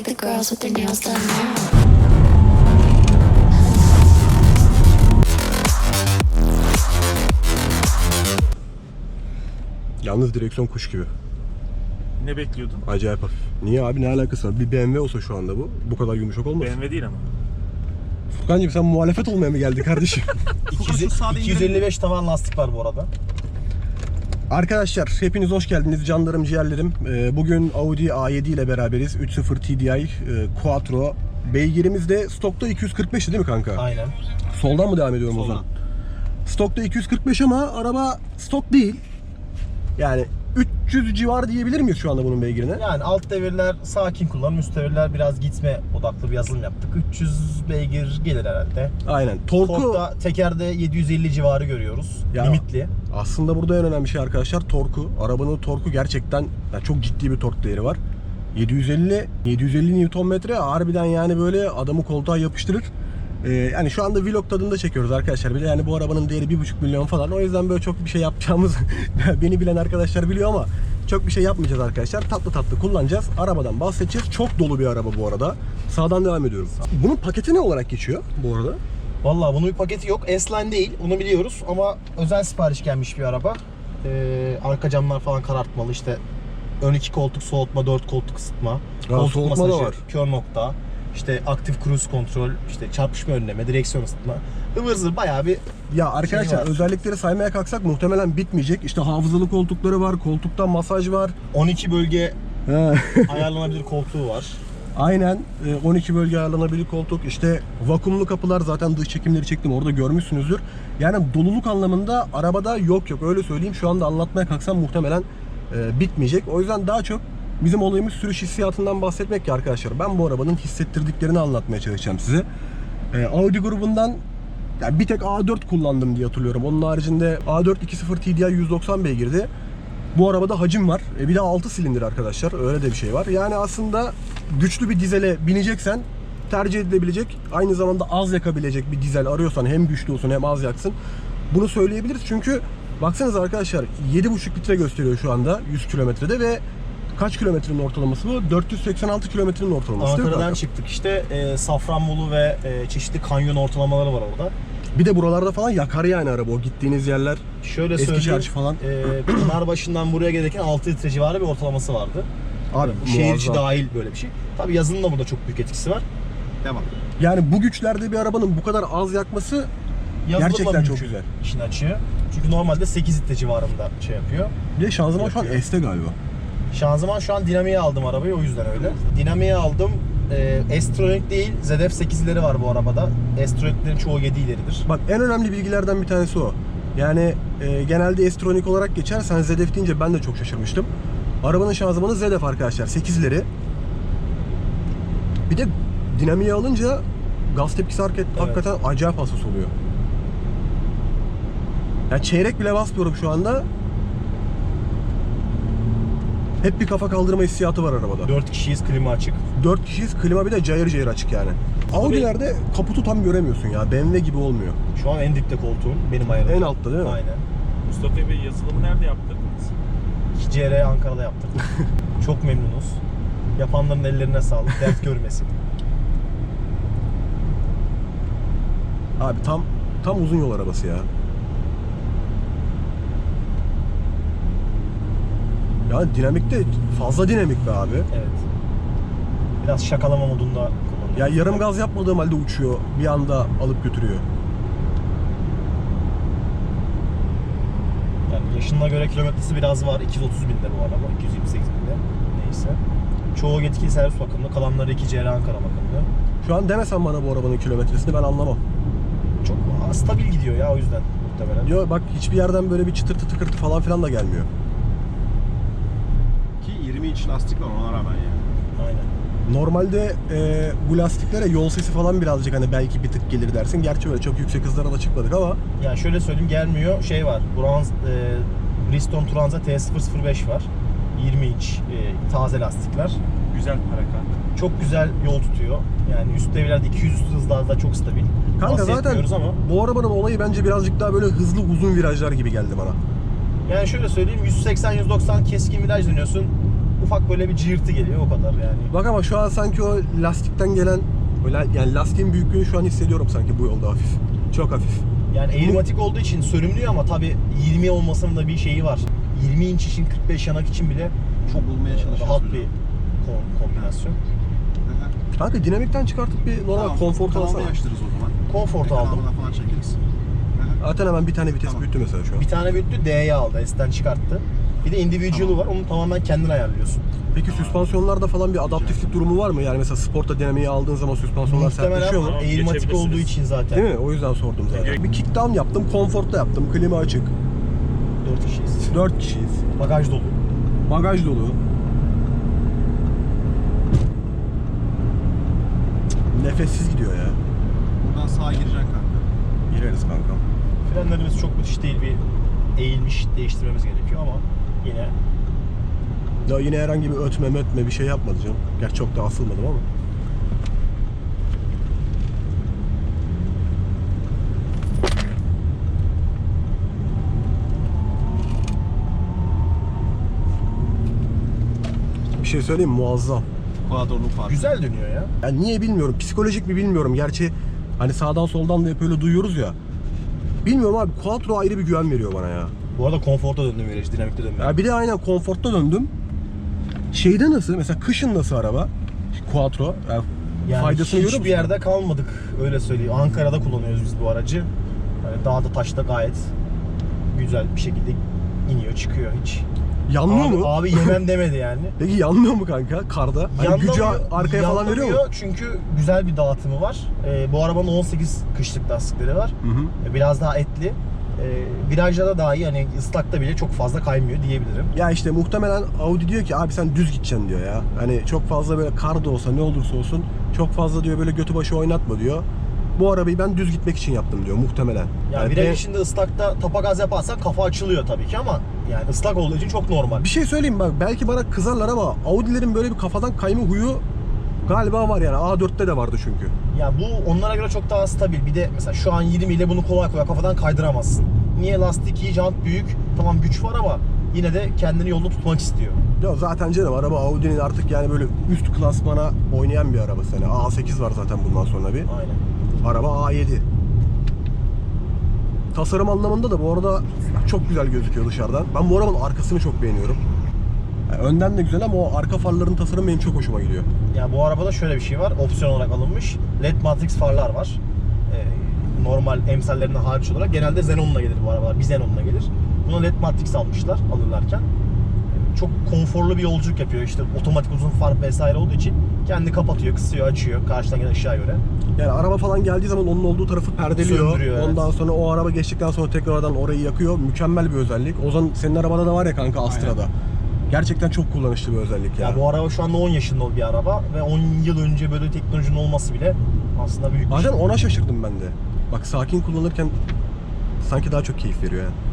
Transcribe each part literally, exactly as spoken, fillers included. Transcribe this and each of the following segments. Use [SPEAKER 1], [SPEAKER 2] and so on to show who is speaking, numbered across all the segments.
[SPEAKER 1] like the girls with their nails done now.
[SPEAKER 2] Yalnız direksiyon kuş gibi.
[SPEAKER 3] Ne bekliyordun?
[SPEAKER 2] Acayip hafif. Niye abi, ne alakası var? Bir B M W olsa şu anda bu. Bu kadar yumuşak olmaz.
[SPEAKER 3] B M W değil ama.
[SPEAKER 2] Furkancığım sen muhalefet olmaya mı geldin kardeşim?
[SPEAKER 4] iki yüz elli beş tavan lastik var bu arada.
[SPEAKER 2] Arkadaşlar hepiniz hoş geldiniz canlarım ciğerlerim. Bugün Audi A yedi ile beraberiz. üç nokta sıfır T D I Quattro. Beygirimiz de stokta iki yüz kırk beşti değil mi kanka?
[SPEAKER 4] Aynen.
[SPEAKER 2] Soldan mı devam ediyorum
[SPEAKER 4] Soldan.
[SPEAKER 2] o zaman? Stokta iki yüz kırk beş ama araba stok değil. Yani üç yüz civarı diyebilir miyiz şu anda bunun beygirine?
[SPEAKER 4] Yani alt devirler sakin kullanım, üst devirler biraz gitme odaklı bir yazılım yaptık. üç yüz beygir gelir herhalde.
[SPEAKER 2] Aynen. Torku
[SPEAKER 4] Tork'ta tekerde yedi yüz elli civarı görüyoruz.
[SPEAKER 2] Ya,
[SPEAKER 4] limitli.
[SPEAKER 2] aslında burada en önemli şey arkadaşlar torku. Arabanın torku gerçekten yani çok ciddi bir tork değeri var. yedi yüz elli yedi yüz elli Newton metre harbiden yani böyle adamı koltuğa yapıştırır. Ee, yani şu anda vlog tadında çekiyoruz arkadaşlar. Bir de yani bu arabanın değeri bir buçuk milyon falan. O yüzden böyle çok bir şey yapacağımız beni bilen arkadaşlar biliyor ama çok bir şey yapmayacağız arkadaşlar. Tatlı tatlı kullanacağız. Arabadan bahsedeceğiz. Çok dolu bir araba bu arada. Sağdan devam ediyorum. Bunun paketi ne olarak geçiyor bu arada?
[SPEAKER 4] Vallahi bunun bir paketi yok. S-Line değil, onu biliyoruz ama özel sipariş gelmiş bir araba. Ee, arka camlar falan karartmalı, işte ön iki koltuk soğutma, dört koltuk ısıtma, koltuk
[SPEAKER 2] soğutma da
[SPEAKER 4] masajı,
[SPEAKER 2] var.
[SPEAKER 4] kör nokta, işte aktif cruise kontrol, işte çarpışma önleme, direksiyon ısıtma. Ivır zıvır bayağı bir
[SPEAKER 2] Ya arkadaşlar
[SPEAKER 4] şey var.
[SPEAKER 2] özellikleri saymaya kalksak muhtemelen bitmeyecek. İşte hafızalı koltukları var, koltukta masaj var.
[SPEAKER 4] on iki bölge
[SPEAKER 2] He.
[SPEAKER 4] ayarlanabilir koltuğu var.
[SPEAKER 2] Aynen on iki bölge ayarlanabilir koltuk. İşte vakumlu kapılar, zaten dış çekimleri çektim orada görmüşsünüzdür. Yani doluluk anlamında arabada yok yok öyle söyleyeyim. Şu anda anlatmaya kalksam muhtemelen e, bitmeyecek. O yüzden daha çok bizim olayımız sürüş hissiyatından bahsetmek ki arkadaşlar. Ben bu arabanın hissettirdiklerini anlatmaya çalışacağım size. E, Audi grubundan yani bir tek A dört kullandım diye hatırlıyorum. Onun haricinde A dört iki nokta sıfır T D I yüz doksan beygirdi. Bu arabada hacim var. E bir de altı silindir arkadaşlar. Öyle de bir şey var. Yani aslında güçlü bir dizele bineceksen tercih edilebilecek, aynı zamanda az yakabilecek bir dizel arıyorsan, hem güçlü olsun hem az yaksın, bunu söyleyebiliriz. Çünkü baksanıza arkadaşlar yedi buçuk litre gösteriyor şu anda yüz kilometrede ve kaç kilometrenin ortalaması bu? dört yüz seksen altı kilometrenin ortalaması.
[SPEAKER 4] Ankara'dan çıktık işte, e, Safranbolu ve e, çeşitli kanyon ortalamaları var orada.
[SPEAKER 2] Bir de buralarda falan yakar yani araba, o gittiğiniz yerler.
[SPEAKER 4] Şöyle
[SPEAKER 2] Eski
[SPEAKER 4] söyleyeyim,
[SPEAKER 2] çarşı falan.
[SPEAKER 4] E, Pınarbaşı'ndan buraya gelirken altı litre civarı bir ortalaması vardı.
[SPEAKER 2] Abi
[SPEAKER 4] Şehir içi
[SPEAKER 2] muazzam.
[SPEAKER 4] dahil böyle bir şey. Tabii yazının da burada çok büyük etkisi var. Devam.
[SPEAKER 2] Yani bu güçlerde bir arabanın bu kadar az yakması
[SPEAKER 4] Yazılımla
[SPEAKER 2] gerçekten çok
[SPEAKER 4] mümkün
[SPEAKER 2] güzel.
[SPEAKER 4] işini açıyor. Çünkü normalde sekiz litre civarında şey yapıyor.
[SPEAKER 2] Bir de şanzıman şu an
[SPEAKER 4] Yapıyor.
[SPEAKER 2] S'te galiba.
[SPEAKER 4] Şanzıman şu an dinamiğe aldım arabayı, o yüzden öyle. Dinamiğe aldım. E, S-Tronic değil, Z F sekizleri var bu arabada. S-Tronic'lerin çoğu yedi ileridir.
[SPEAKER 2] Bak en önemli bilgilerden bir tanesi o. Yani e, genelde S-Tronic olarak geçer. Sen Z F deyince ben de çok şaşırmıştım. Arabanın şanzımanı Z F arkadaşlar. sekizleri. Bir de dinamiğe alınca gaz tepkisi hareket,
[SPEAKER 4] Evet.
[SPEAKER 2] hakikaten acayip hassas oluyor. Ya çeyrek bile basmıyorum şu anda. Hep bir kafa kaldırma hissiyatı var arabada.
[SPEAKER 4] dört kişiyiz, klima açık.
[SPEAKER 2] dört kişiyiz, klima bir de cayır cayır açık yani. Audi'lerde kaputu tam göremiyorsun ya. B M W gibi olmuyor.
[SPEAKER 4] Şu an en dipte koltuğum, benim ayarım.
[SPEAKER 2] En altta değil mi?
[SPEAKER 4] Aynen.
[SPEAKER 3] Mustafa Bey, yazılımı nerede yaptırdınız?
[SPEAKER 4] iki C R Ankara'da yaptırdım. Çok memnunuz. Yapanların ellerine sağlık, dert görmesin.
[SPEAKER 2] Abi tam tam uzun yol arabası ya. Ya dinamik de fazla dinamik be abi.
[SPEAKER 4] Evet. Biraz şakalama modunda kullanıyorum.
[SPEAKER 2] Ya yarım gaz yapmadığım halde uçuyor. Bir anda alıp götürüyor.
[SPEAKER 4] Yani yaşına göre kilometresi biraz var. iki yüz otuz binde bu araba. iki yüz yirmi sekiz binde. Neyse. Çoğu yetkili servis bakımlı. Kalanları iki C R Ankara bakımlı.
[SPEAKER 2] Şu an demesen bana bu arabanın kilometresini ben anlamam.
[SPEAKER 4] Çok stabil gidiyor ya, o yüzden muhtemelen.
[SPEAKER 2] Diyor bak hiçbir yerden böyle bir çıtırtı tıkırtı falan filan da gelmiyor.
[SPEAKER 5] Ki yirmi inç lastik var ona rağmen yani.
[SPEAKER 4] Aynen.
[SPEAKER 2] Normalde e, bu lastiklere yol sesi falan birazcık hani belki bir tık gelir dersin. Gerçi öyle çok yüksek hızlara da çıkmadık ama.
[SPEAKER 4] Yani şöyle söyleyeyim, gelmiyor. Şey var. Bronz, e, Bridgestone Turanza T sıfır sıfır beş var. yirmi inç e, taze lastikler.
[SPEAKER 3] Güzel para kanka.
[SPEAKER 4] Çok güzel yol tutuyor. Yani üst devirlerde iki yüz hızlarda çok stabil.
[SPEAKER 2] Kanka zaten
[SPEAKER 4] Bahsetmiyoruz ama
[SPEAKER 2] bu arabanın olayı bence birazcık daha böyle hızlı uzun virajlar gibi geldi bana.
[SPEAKER 4] yani şöyle söyleyeyim, yüz seksen yüz doksan keskin viraj dönüyorsun. ufak böyle bir cığırtı geliyor o kadar yani.
[SPEAKER 2] Bak ama şu an sanki o lastikten gelen böyle yani lastiğin büyüklüğünü şu an hissediyorum sanki bu yolda hafif. Çok hafif.
[SPEAKER 4] Yani eğrimatik olduğu için sürümlüyor ama tabii yirmi olmasının da bir şeyi var. yirmi inç için kırk beş yanak için bile çok
[SPEAKER 5] Bulmaya çalışıyoruz
[SPEAKER 4] rahat
[SPEAKER 5] hocam.
[SPEAKER 4] bir kom- kombinasyon.
[SPEAKER 2] Kanka dinamikten çıkartıp bir normal
[SPEAKER 5] Tamam,
[SPEAKER 2] konfor
[SPEAKER 5] kanalda
[SPEAKER 2] alsana.
[SPEAKER 5] yaşlarız o zaman.
[SPEAKER 4] Konfortu aldım.
[SPEAKER 5] Kanalına falan çekeriz. Hı hı.
[SPEAKER 2] Zaten hemen bir tane vites
[SPEAKER 5] Tamam.
[SPEAKER 2] büyüttü mesela şu an.
[SPEAKER 4] Bir tane büyüttü D'ye aldı. S'ten çıkarttı. Bir de individual'ı
[SPEAKER 5] Tamam.
[SPEAKER 4] var. Onu tamamen kendin ayarlıyorsun.
[SPEAKER 2] Peki süspansiyonlarda falan bir adaptiflik durumu var mı? Yani mesela sporta dinamiği aldığın zaman süspansiyonlar sertleşiyor mu?
[SPEAKER 4] Muhtemelen eğrimatik
[SPEAKER 3] Geçebilirsiniz.
[SPEAKER 4] olduğu için zaten.
[SPEAKER 2] Değil mi? O yüzden sordum zaten. Bir kickdown yaptım, konforta yaptım, klima açık.
[SPEAKER 4] dört kişiyiz.
[SPEAKER 2] dört kişiyiz.
[SPEAKER 4] Bagaj dolu.
[SPEAKER 2] Bagaj dolu. Nefessiz gidiyor ya.
[SPEAKER 5] Buradan sağa gireceksin kanka.
[SPEAKER 2] Gireriz kankam.
[SPEAKER 4] Frenlerimiz çok müthiş değil, bir eğilmiş değiştirmemiz gerekiyor ama yine
[SPEAKER 2] Ya yine herhangi bir ötme mötme bir şey yapmadı canım. Gerçi çok da asılmadım ama. Bir şey söyleyeyim mi? Muazzam.
[SPEAKER 5] Quadro'nun farkı.
[SPEAKER 4] güzel dönüyor ya.
[SPEAKER 2] Yani niye bilmiyorum. Psikolojik mi bilmiyorum. Gerçi hani sağdan soldan da hep öyle duyuyoruz ya. Bilmiyorum abi. Quattro ayrı bir güven veriyor bana ya.
[SPEAKER 4] Bu arada konforta döndüm viraj, dinamikte dönmüyor.
[SPEAKER 2] Ya bir de aynen konfortta döndüm. Şeyde nasıl? Mesela kışın nasıl araba? Quattro. Yani
[SPEAKER 4] Yani
[SPEAKER 2] faydasını görüyor
[SPEAKER 4] hiçbir
[SPEAKER 2] musun?
[SPEAKER 4] yerde kalmadık, öyle söyleyeyim. Ankara'da kullanıyoruz biz bu aracı. Yani dağda taşta gayet güzel bir şekilde iniyor çıkıyor hiç.
[SPEAKER 2] Yanmıyor
[SPEAKER 4] abi,
[SPEAKER 2] mu?
[SPEAKER 4] Abi yemem demedi yani.
[SPEAKER 2] Peki yanmıyor mu kanka karda? Hani gücü
[SPEAKER 4] Yanlamıyor-
[SPEAKER 2] arkaya falan veriyor mu?
[SPEAKER 4] yanlamıyor çünkü güzel bir dağıtımı var. Ee, bu arabanın on sekiz kışlık lastikleri var.
[SPEAKER 2] Hı hı.
[SPEAKER 4] Ee, Biraz daha etli. Ee, virajda da iyi, hani ıslakta bile çok fazla kaymıyor diyebilirim.
[SPEAKER 2] Ya işte muhtemelen Audi diyor ki abi sen düz gideceksin diyor ya. Hani çok fazla böyle kar da olsa ne olursa olsun çok fazla diyor böyle götü başı oynatma diyor. Bu arabayı ben düz gitmek için yaptım diyor muhtemelen.
[SPEAKER 4] Yani
[SPEAKER 2] Yani
[SPEAKER 4] viraj
[SPEAKER 2] ben-
[SPEAKER 4] içinde ıslakta tapa gaz yaparsan kafa açılıyor tabii ki ama yani ıslak olduğu için çok normal.
[SPEAKER 2] Bir şey söyleyeyim bak belki bana kızarlar ama Audi'lerin böyle bir kafadan kayma huyu galiba var yani. A dörtte de vardı çünkü.
[SPEAKER 4] Ya bu onlara göre çok daha stabil. Bir de mesela şu an yirmi ile bunu kolay kolay kafadan kaydıramazsın. Niye? Lastik iyi, jant büyük. Tamam güç var ama yine de kendini yolda tutmak istiyor.
[SPEAKER 2] Ya zaten canım araba Audi'nin artık yani böyle üst klasmana oynayan bir arabası. Yani A sekiz var zaten bundan sonra bir.
[SPEAKER 4] Aynen.
[SPEAKER 2] Araba A yedi. Tasarım anlamında da bu arada çok güzel gözüküyor dışarıdan. Ben bu arabanın arkasını çok beğeniyorum. Yani önden de güzel ama o arka farların tasarımı benim çok hoşuma gidiyor.
[SPEAKER 4] Ya bu arabada şöyle bir şey var. Opsiyon olarak alınmış. L E D matrix farlar var. Ee, normal emsallerinden hariç olarak genelde Xenon'la gelir bu arabalar. Bir Xenon'la gelir. Buna L E D matrix almışlar alırlarken. Ee, Çok konforlu bir yolculuk yapıyor. İşte otomatik uzun far vesaire olduğu için kendi kapatıyor, kısıyor, açıyor karşıdan gelen ışığa göre.
[SPEAKER 2] Yani araba falan geldiği zaman onun olduğu tarafı perdeliyor.
[SPEAKER 4] Söndürüyor, evet.
[SPEAKER 2] Ondan sonra o araba geçtikten sonra tekrardan orayı yakıyor. Mükemmel bir özellik. O zaman senin arabada da var ya kanka Astra'da. Gerçekten çok kullanışlı bir özellik ya.
[SPEAKER 4] Ya bu araba şu anda on yaşında bir araba ve on yıl önce böyle teknolojinin olması bile aslında büyük bir
[SPEAKER 2] Bazen
[SPEAKER 4] şey.
[SPEAKER 2] ona şaşırdım ben de. Bak sakin kullanırken sanki daha çok keyif veriyor yani.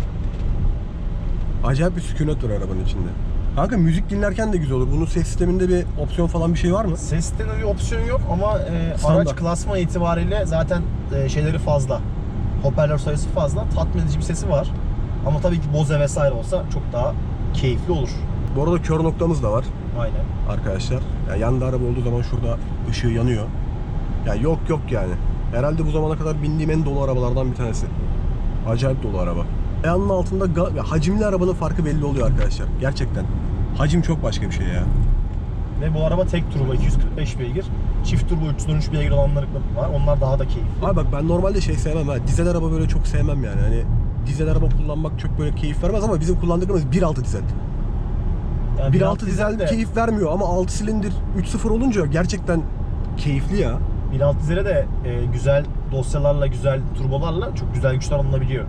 [SPEAKER 2] Acayip bir sükunet var arabanın içinde. Kanka müzik dinlerken de güzel olur. Bunun ses sisteminde bir opsiyon falan bir şey var mı?
[SPEAKER 4] Ses sisteminde bir opsiyon yok ama e,
[SPEAKER 2] Standart.
[SPEAKER 4] araç klasman itibariyle zaten e, şeyleri fazla. Hoparlör sayısı fazla. Tatmin edici bir sesi var. Ama tabii ki Bose vesaire olsa çok daha keyifli olur.
[SPEAKER 2] Bu arada kör noktamız da var
[SPEAKER 4] Aynen.
[SPEAKER 2] arkadaşlar. Yani yanda araba olduğu zaman şurada ışığı yanıyor. Ya yok yok yani. Herhalde bu zamana kadar bindiğim en dolu arabalardan bir tanesi. Acayip dolu araba. Ayağının altında ga- ya hacimli arabanın farkı belli oluyor arkadaşlar. Gerçekten. Hacim çok başka bir şey ya.
[SPEAKER 4] Ve bu araba tek turbo iki yüz kırk beş beygir. Çift turbo üç yüz on üç beygir olanları var. Onlar daha da keyifli.
[SPEAKER 2] Abi bak ben normalde şey sevmem ha. Dizel araba böyle çok sevmem yani. Hani dizel araba kullanmak çok böyle keyif vermez ama bizim kullandıklarımız bir altı dizel.
[SPEAKER 4] Yani
[SPEAKER 2] bir altı dizel
[SPEAKER 4] de,
[SPEAKER 2] keyif vermiyor ama altı silindir üç sıfır olunca gerçekten keyifli ya.
[SPEAKER 4] bir altı dizele de e, güzel dosyalarla, güzel turbolarla çok güzel güçler alınabiliyor.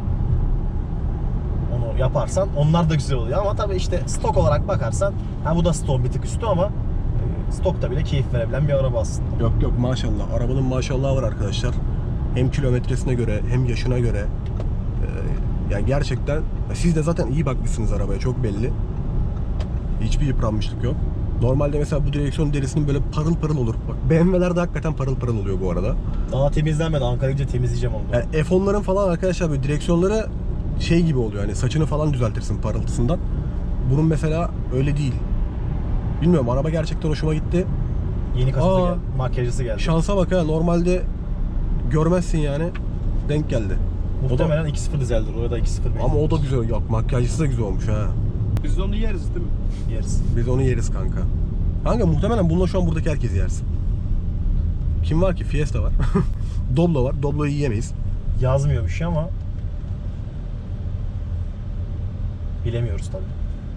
[SPEAKER 4] Onu yaparsan onlar da güzel oluyor ama tabii işte stok olarak bakarsan ha bu da stok bir tık üstü ama e, stokta bile keyif verebilen bir araba aslında.
[SPEAKER 2] Yok yok maşallah. Arabanın maşallahı var arkadaşlar. Hem kilometresine göre hem yaşına göre. Ee, yani gerçekten siz de zaten iyi bakmışsınız arabaya çok belli. Hiçbir yıpranmışlık yok. Normalde mesela bu direksiyon derisinin böyle parıl parıl olur. Bak B M W'lerde hakikaten parıl parıl oluyor bu arada.
[SPEAKER 4] Daha temizlenmedi. Ankara'ya gidince temizleyeceğim onu.
[SPEAKER 2] Yani F onların falan arkadaşlar böyle direksiyonları şey gibi oluyor. Hani saçını falan düzeltirsin parıltısından. Bunun mesela öyle değil. Bilmiyorum, araba gerçekten hoşuma gitti.
[SPEAKER 4] Yeni kasası
[SPEAKER 2] Aa,
[SPEAKER 4] geldi. Makyajlısı geldi.
[SPEAKER 2] Şansa bak ha, normalde görmezsin yani. Denk geldi.
[SPEAKER 4] Muhtemelen iki sıfır dizeldir. Orada iki sıfır
[SPEAKER 2] Ama o da güzel. Yok, makyajlısı da güzel olmuş ha.
[SPEAKER 5] Biz de onu yeriz değil mi?
[SPEAKER 4] yeriz.
[SPEAKER 2] Biz onu yeriz kanka. Kanka muhtemelen bununla şu an buradaki herkes yersin. Kim var ki? Fiesta var. Doblo var. Doblo'yu yiyemeyiz.
[SPEAKER 4] Yazmıyor bir şey ama bilemiyoruz tabii.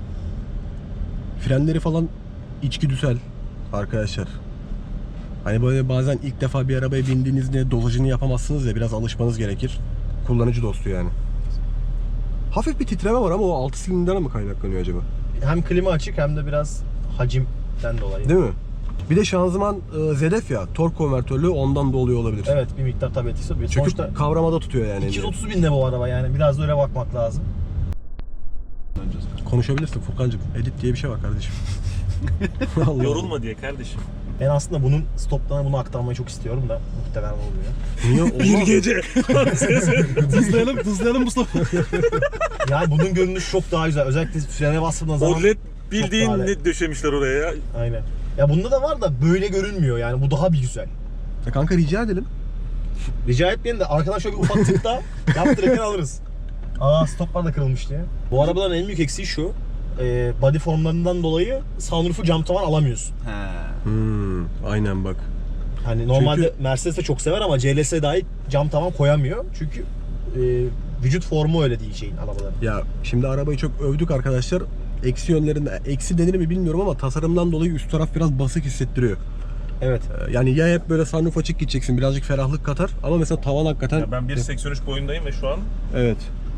[SPEAKER 2] Frenleri falan içgüdüsel arkadaşlar. Hani böyle bazen ilk defa bir arabaya bindiğinizde dozajını yapamazsınız ya, biraz alışmanız gerekir. Kullanıcı dostu yani. Hafif bir titreme var ama o altı silindirden mi kaynaklanıyor acaba?
[SPEAKER 4] Hem klima açık hem de biraz hacimden dolayı.
[SPEAKER 2] Değil mi? Bir de şanzıman e, Z F ya, tork konvertörlü, ondan da oluyor olabilir.
[SPEAKER 4] Evet, bir miktar tabii etkisi oluyor.
[SPEAKER 2] Çünkü
[SPEAKER 4] Sonuçta
[SPEAKER 2] kavramada tutuyor yani.
[SPEAKER 4] iki yüz otuz binde bu araba, yani biraz da öyle bakmak lazım.
[SPEAKER 5] Döneceğiz.
[SPEAKER 2] Konuşabilirsin Furkancığım. Edit diye bir şey var kardeşim. Allah
[SPEAKER 3] Yorulma diye kardeşim.
[SPEAKER 4] Ben aslında bunun stoplarına bunu aktarmayı çok istiyorum da muhtemelen olmuyor.
[SPEAKER 2] Niye? Olmaz.
[SPEAKER 3] gece.
[SPEAKER 5] Tuzlayalım, tuzlayalım Mustafa.
[SPEAKER 4] Yani bunun görünüşü çok daha güzel. Özellikle frene bastığında zaman.
[SPEAKER 3] O led
[SPEAKER 4] Çok
[SPEAKER 3] bildiğin
[SPEAKER 4] daha
[SPEAKER 3] ne döşemişler oraya ya.
[SPEAKER 4] Aynen. Ya bunda da var da böyle görünmüyor yani. Bu daha bir güzel.
[SPEAKER 2] Ya kanka rica edelim.
[SPEAKER 4] Rica etmeyin de arkadan şöyle bir ufak tık daha yaptırırken alırız. Aa, stoplar da kırılmış diye. Bu arabaların en büyük eksiği şu. E, body formlarından dolayı sunroof'u cam tavan alamıyorsun.
[SPEAKER 5] He.
[SPEAKER 2] Hmm, aynen bak.
[SPEAKER 4] Hani normalde
[SPEAKER 2] Çünkü-
[SPEAKER 4] Mercedes de çok sever ama C L S dahi cam tavan koyamıyor. Çünkü e, vücut formu öyle değil şeyin, arabaların.
[SPEAKER 2] Ya şimdi arabayı çok övdük arkadaşlar. Eksi yönlerinde, eksi denir mi bilmiyorum ama tasarımdan dolayı üst taraf biraz basık hissettiriyor.
[SPEAKER 4] Evet.
[SPEAKER 2] Ee, Yani ya hep böyle sunroof açık gideceksin, birazcık ferahlık katar ama mesela tavan hakikaten...
[SPEAKER 3] Ya ben bir seksen üç boyundayım ve şu an
[SPEAKER 2] Evet.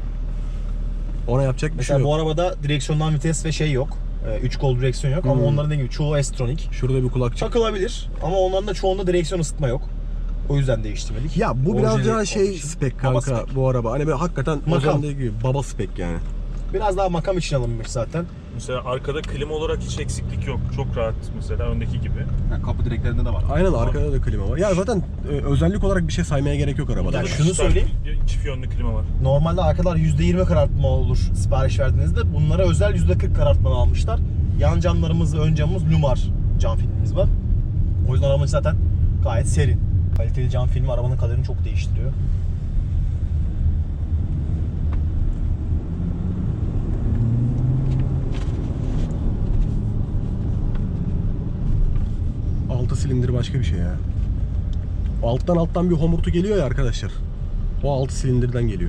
[SPEAKER 2] Ona yapacak bir
[SPEAKER 4] Mesela
[SPEAKER 2] şey
[SPEAKER 4] bu
[SPEAKER 2] yok.
[SPEAKER 4] arabada direksiyondan vites ve şey yok. üç kol direksiyon yok ama
[SPEAKER 2] Hmm.
[SPEAKER 4] onların dediğim gibi çoğu S-Tronic.
[SPEAKER 2] Şurada bir kulakçık.
[SPEAKER 4] Takılabilir ama onların da çoğunda direksiyon ısıtma yok. O yüzden değiştirmedik.
[SPEAKER 2] Ya bu biraz
[SPEAKER 4] Orijinal
[SPEAKER 2] daha şey
[SPEAKER 4] olduğu için.
[SPEAKER 2] spek
[SPEAKER 4] Baba
[SPEAKER 2] kanka
[SPEAKER 4] spek.
[SPEAKER 2] bu araba. Hani böyle hakikaten
[SPEAKER 4] Makam.
[SPEAKER 2] Ozan dediği gibi baba spek yani.
[SPEAKER 4] Biraz daha makam için alınmış zaten.
[SPEAKER 3] mesela arkada klima olarak hiç eksiklik yok. Çok rahat mesela öndeki gibi.
[SPEAKER 5] Yani kapı direklerinde de var.
[SPEAKER 2] Aynen, arkada da klima var. Ya zaten e, özellik olarak bir şey saymaya gerek yok arabada.
[SPEAKER 4] Ya
[SPEAKER 3] Burada da
[SPEAKER 4] şunu
[SPEAKER 3] çift-
[SPEAKER 4] söyleyeyim.
[SPEAKER 3] Çift yönlü klima var.
[SPEAKER 4] Normalde arkalar yüzde yirmi karartma olur sipariş verdiğinizde. Bunlara özel yüzde kırk karartma almışlar. Yan camlarımız ve ön camımız Lumar cam filmimiz var. O yüzden arabamız zaten gayet serin. Kaliteli cam filmi arabanın kaderini çok değiştiriyor.
[SPEAKER 2] altı silindir başka bir şey ya. Alttan alttan bir homurtu geliyor ya arkadaşlar. O altı silindirden geliyor.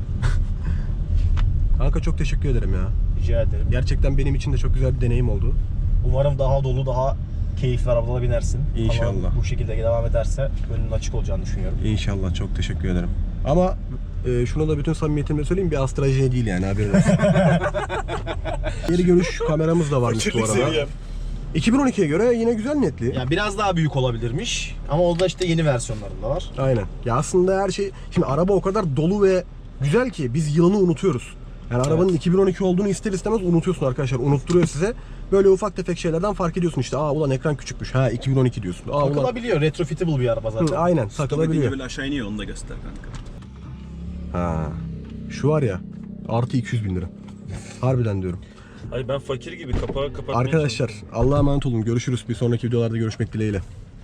[SPEAKER 2] Kanka çok teşekkür ederim ya.
[SPEAKER 4] Rica ederim.
[SPEAKER 2] Gerçekten benim için de çok güzel bir deneyim oldu.
[SPEAKER 4] Umarım daha dolu, daha keyifli arabalara binersin.
[SPEAKER 2] İnşallah.
[SPEAKER 4] Ama bu şekilde devam ederse önünün açık olacağını düşünüyorum.
[SPEAKER 2] İnşallah, çok teşekkür ederim. Ama e, şunu da bütün samimiyetimle söyleyeyim, bir Astra J değil yani, haberin olsun. Geri görüş kameramız da varmış bu
[SPEAKER 3] Fakirlik
[SPEAKER 2] arada.
[SPEAKER 3] seviyem.
[SPEAKER 2] iki bin on ikiye göre yine güzel netli.
[SPEAKER 4] Yani biraz daha büyük olabilirmiş ama o da işte yeni versiyonlarında var.
[SPEAKER 2] Aynen. Ya aslında her şey... Şimdi araba o kadar dolu ve güzel ki biz yılını unutuyoruz. Yani arabanın
[SPEAKER 4] Evet.
[SPEAKER 2] iki bin on iki olduğunu ister istemez unutuyorsun arkadaşlar. Unutturuyor size. Böyle ufak tefek şeylerden fark ediyorsun işte. Aa ulan ekran küçükmüş. Ha iki bin on iki diyorsun. Aa ulan...
[SPEAKER 4] Takılabiliyor. Retrofitable bir araba zaten.
[SPEAKER 2] Hı, aynen,
[SPEAKER 5] Stop edince
[SPEAKER 2] takılabiliyor.
[SPEAKER 5] böyle aşağı iniyor, onu da göster kanka.
[SPEAKER 2] Ha. Şu var ya, artı iki yüz bin lira. Harbiden diyorum.
[SPEAKER 3] Hayır ben fakir gibi kapağı kapatmaya
[SPEAKER 2] Arkadaşlar Allah'a emanet olun. Görüşürüz. Bir sonraki videolarda görüşmek dileğiyle.